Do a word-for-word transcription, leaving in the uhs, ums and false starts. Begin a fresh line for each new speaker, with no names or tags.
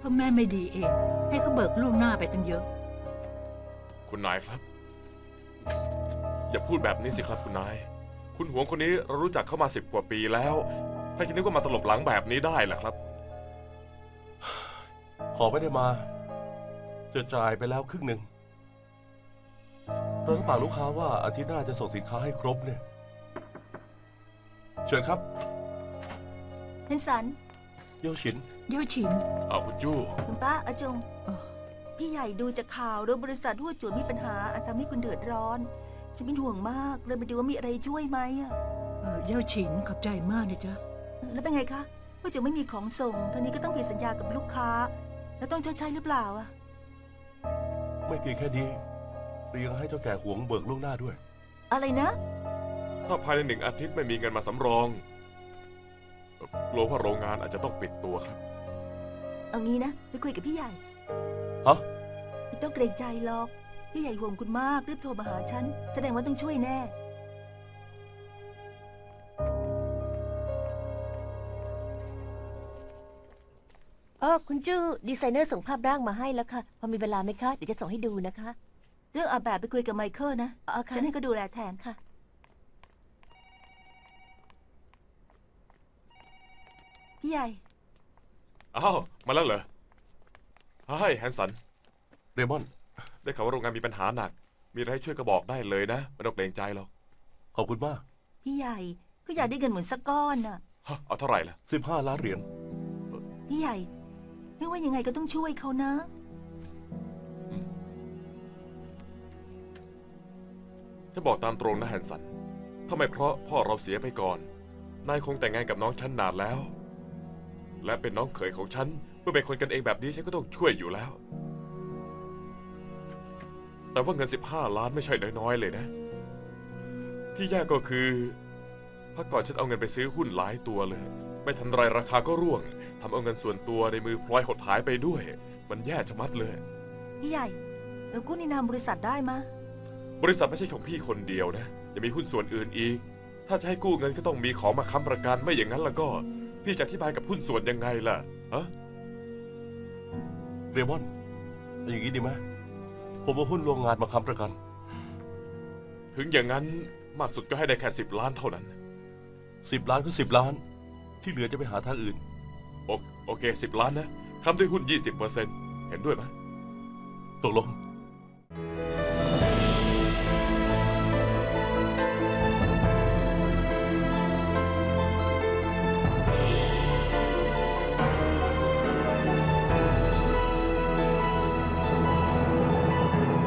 เพราะแม่ไม่ดีเอง ให้เขาเบิกล่วงหน้าไปตั้งเยอะ
คุณนายครับ อย่าพูดแบบนี้สิครับคุณนาย คุณหวงคนนี้เรารู้จักเขามาสิบกว่าปีแล้วใครจะนึกว่ามาตลบหลังแบบนี้ได้ล่ะครับ
ขอไม่ได้มาจะจ่ายไปแล้วครึ่งหนึ่งเราต้องฝากลูกค้าว่าอาทิตย์หน้าจะส่งสินค้าให้ครบเนี่ยเชิญครับ
เฮนสัน
เย่ยวฉิน
เย่ยวฉิน
เอาคุณจู้
คุณป้าอาจง
เอ่อ
พี่ใหญ่ดูจากข่าวเรื่องบริษัทหัวจวนมีปัญหาอาจทำให้คุณเดือดร้อนฉันเป็นห่วงมากเลยมาดูว่ามีอะไรช่วยไหมอะ
เอ่อเย่ยวฉินขอบใจมากนะจ๊ะ
แล้วเป็นไงคะหัวจวนไม่มีของส่งท่างนี้ก็ต้องผิดสัญญากับลูกค้า แล้วต้องชดใช้หรือเปล่าอะ
ไม่เพียงแค่นี้เรายังให้เจ้าแก่หวงเบิกล่วงหน้าด้วย
อะไรนะ
ถ้าภายในหนึ่งอาทิตย์ไม่มีเงินมาสำรองกลัวว่าโรงงานอาจจะต้องปิดตัวครับ
เอางี้นะไปคุยกับพี่ใหญ่
ฮะ
ไม่ต้องเกรงใจหรอกพี่ใหญ่ห่วงคุณมากรีบโทรมาหาฉันแสดงว่าต้องช่วยแน่
เออคุณจู้ดีไซเนอร์ส่งภาพร่างมาให้แล้วค่ะ พอมีเวลาไหมคะ เดี๋ยวจะส่งให้ดูนะคะ
เรื่องอาแบบไปคุยกับไมเคิลนะ
อ๋อค่ะ
ฉันให้เขาดูแลแทน
ค่ะ
พี่ใหญ่
อ้าวมาแล้วเหรอเฮ้ยแฮนสัน
เรมอน
ได้ข่าวว่าโรงงานมีปัญหาหนัก มีอะไรให้ช่วยก็บอกได้เลยนะไม่ต้องเกรงใจหรอก
ขอบคุณมาก
พี่ใหญ่เขาอยากได้เงินหมุนสักก้อนน่ะ
ฮะเอาเท่าไหร่ล่ะ
สิบห้าล้านเหรียญ
พี่ใหญ่ ไม่ว่ายังไงก็ต้องช่วยเขานะ
จะบอกตามตรงนะแฮนสัน ถ้าไม่เพราะพ่อเราเสียไปก่อน นายคงแต่งงานกับน้องฉันนานแล้ว และเป็นน้องเขยของฉัน เมื่อเป็นคนกันเองแบบนี้ฉันก็ต้องช่วยอยู่แล้ว แต่ว่าเงินสิบห้าล้านไม่ใช่น้อยๆเลยนะ ที่แย่ก็คือพักก่อนฉันเอาเงินไปซื้อหุ้นหลายตัวเลย ไม่ทันไรราคาก็ร่วงทำเอาเงินส่วนตัวในมือพลอยหดหายไปด้วย มันแย่ชะมัดเลย
พี่ใหญ่เรากู้ในนามบริษัทได้มะ
บริษัทไม่ใช่ของพี่คนเดียวนะยังมีหุ้นส่วนอื่นอีก ถ้าจะให้กู้เงินก็ต้องมีของมาค้ำประกันไม่อย่างนั้นแล้วก็ พี่จะอธิบายกับหุ้นส่วนยังไงล่ะฮะ
เรมอนเอาอย่างนี้ดีไหมผมเอาหุ้นโรงงานมาค้ำประกัน
ถึงอย่างนั้นมากสุดก็ให้ได้แค่สิบล้านเท่านั้น
สิบล้านก็สิบล้าน ที่เหลือจะไปหาทางอื่น
โอโอเคสิบล้านนะค้ำด้วยหุ้นยี่สิบเปอร์เซ็นต์เห็นด้วยไหม
ตกลง